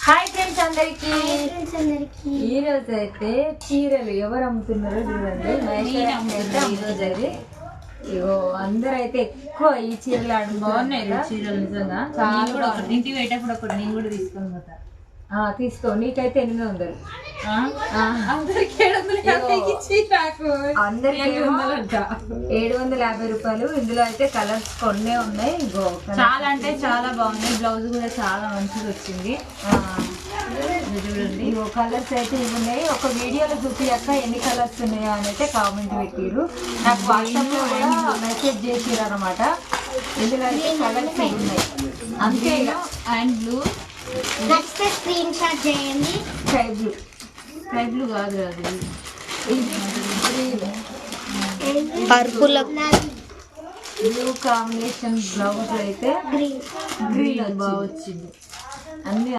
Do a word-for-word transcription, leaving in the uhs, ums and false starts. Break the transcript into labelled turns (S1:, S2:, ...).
S1: Hi friends అందరికి ఈ రోజు అయితే చీరలు ఎవరు అమ్ముతున్నారో చూడండి. ఈరోజు అయితే ఇగో అందరూ అయితే ఎక్కువ ఈ చీరలు ఆడు బాగున్నాయి చీరలు నిజంగా చాలా. ఇంటికి పెట్టేప్పుడు ఒకటి నేను కూడా తీసుకొని పోతా. తీసుకో, నీకైతే ఎనిమిది వందలు అందరికి ఏడు వందల యాభై రూపాయలు. ఇందులో అయితే కలర్స్ కొన్నే ఉన్నాయి. చాలా అంటే చాలా బాగున్నాయి. బ్లౌజ్ కూడా చాలా మంచిగా వచ్చింది. చూడండి ఇగో కలర్స్ అయితే ఇవి ఉన్నాయి. ఒక వీడియోలో చూపియాక ఎన్ని కలర్స్ ఉన్నాయో అని అయితే కామెంట్ పెట్టిరు. నాకు వాట్సాప్ లో కూడా మెసేజ్ చేసిరు అనమాట. ఇందులో అయితే కలర్స్ ఉన్నాయి. అంతే అండ్ బ్లూ
S2: నచ్చితే స్క్రీన్ షాట్ చేయండి.
S1: స్కై బ్లూ స్కై బ్లూ కాదు అది
S2: పర్పుల్
S1: బ్లూ కాంబినేషన్ బ్లౌజ్ అయితే గ్రీన్ గ్రీన్ బాగా వచ్చింది. అన్ని